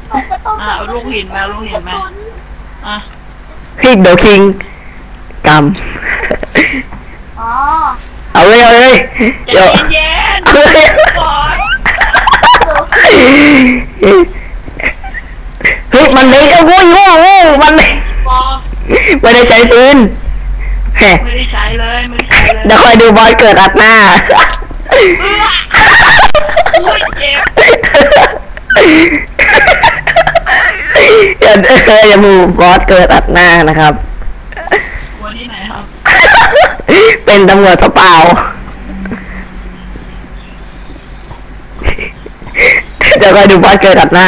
ลูกหินมาอ่ะคิงเดี๋ยวคิงกำเอาเลยเดี๋ยวเย็นเฮ้ยมันเลยโว้มันเลยไม่ได้ใช้ปืนไม่ได้ใช้เลยเดี๋ยวคอยดูบอสเกิดอัดหน้าอย่ามูบอสเกิดอัดหน้านะครับวันที่ไหนครับเป็นตำรวจเปล่าเดี๋ยวคอยดูบอสเกิดอัดหน้า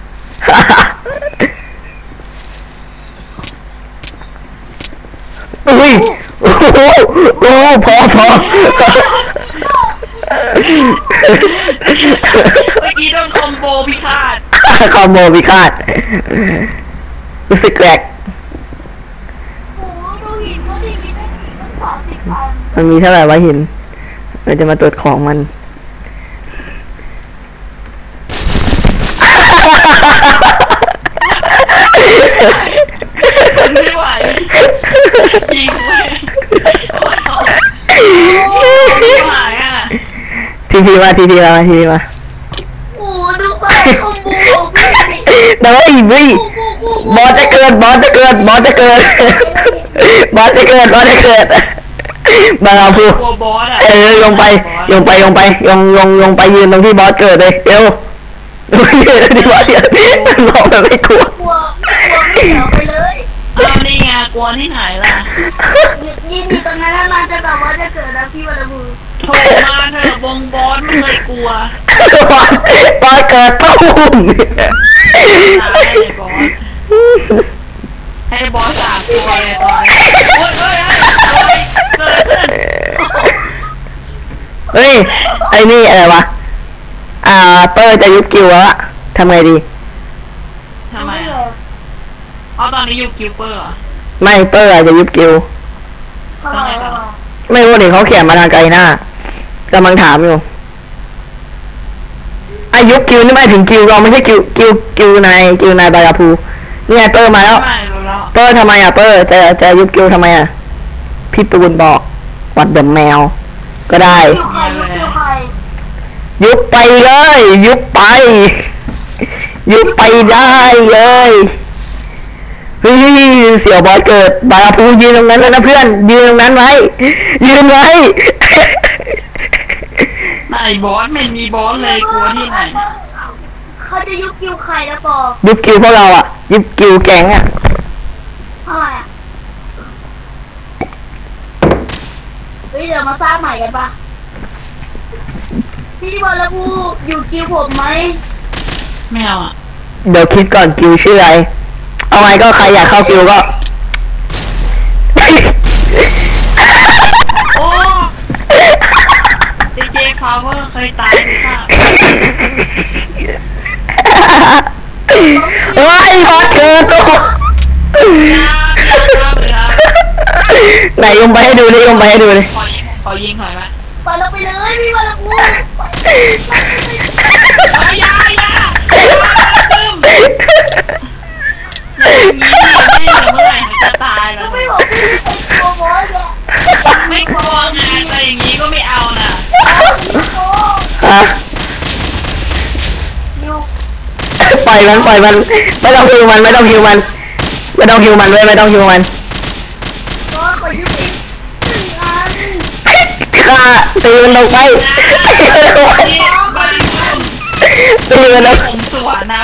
อุ้ยโอ้พอเมื่อกี้โดนคอมโบพิฆาตรู้สึกแกลกมันมีเท่าไหร่วะหินเราจะมาตรวจของมันไม่ไหวยิงเลยหายอ่ะทีพีมาโอ้ดูไปคอมโบแต่ว่าอีวิบอสจะเกิดบาราพูลงไปยืนตรงที่บอสเกิดเลยเดี๋ยวยืนที่บอสเกิดรอแบบไม่กลัวไม่เอาไปเลยนี่ไงกลัวที่ไหนล่ะยืนอยู่ตรงนั้นนานจะแบบว่าจะเกิดแล้วพี่วรบูโทรมาเถอะบอสไม่เคยกลัวบอสเกิดตุ้มให้บอสสามตัวเลยตอนเฮ้ยไอ้นี่อะไรวะเปอร์จะยุบกิวแล้วทำไงดีทำไมตอนนี้ยุบกิวเปอร์ไม่เปอร์จะยุบกิวไม่รู้ดิเขาเขียนมาทางไกลหน้ากำลังถามอยู่ยุบกิวนี่ไม่ถึงกิวเราไม่ใช่กิวนายบาราพูนี่ไงเปอร์มาแล้วเปอร์ทำไมเปอร์จะยุบกิวทำไมพี่ปูนบอกวัดเดอะแมวก็ได้ยุบไปเลยยุบไปได้เลยเฮ้ยเสี่ยวบอสเกิดบาราพูยืนตรงนั้นแล้วนะเพื่อนยืนตรงนั้นไว้ไหนบอสไม่มีบอสเลยกลัวที่ไหนเขาจะยุบกิวใครนะปอยุบกิวพวกเรายุบกิวแก๊งทำไมเฮ้ยเดี๋ยวมาสร้างใหม่กันปะพี่บอลแล้วกูอยู่กิวผมไหมไม่เอาเดี๋ยวคิดก่อนกิวชื่ออะไรเอาไงก็ใครอยากเข้ากิวก็โอ้เจพาวเวอร์เคยตายไหมคะเฮ้ยบอสเกิดตัวไหนยมไปให้ดูเลยขอยิงหน่อยไหมไปเราไปเลยพี่บอลแล้วกูอย่านี่เมื่อไหร่จะตายแล้วไม่บอกพี่เป็นตัวบอสเนี่ยไม่กลัวไงแต่อย่างนี้ก็ไม่เอานะปล่อยมันไม่ต้องฮิวมันก็ขอยุบอีกฆ่าตีมันลงไปผมสวนนะ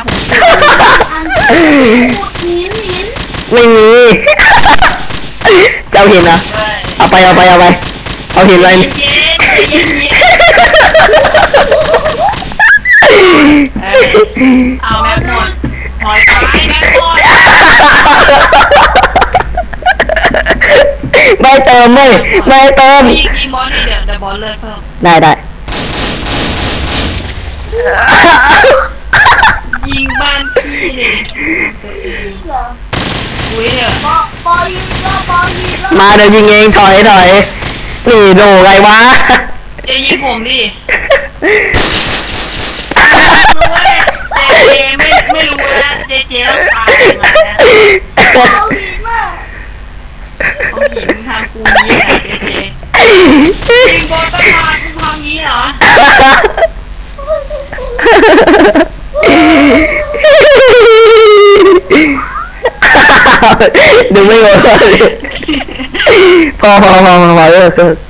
ไม่มีเจ้าหินเอาไปเอาหินไปเอาแม่หมดหอยตายแม่หมดไม่เติมยิงบอลนี่เดี๋ยวบอลเลิกเพิ่มได้ยิงบ้านพี่อุ้ยมาเดี๋ยวยิงเองถอยนี่โดไงวะจะยิงผมดิไม่รู้นะดิมึงทำกูนี้เหรอเจเจมึงบอลต้องมากูทำงี้เหรอดูไม่หมดเลยพอเลิก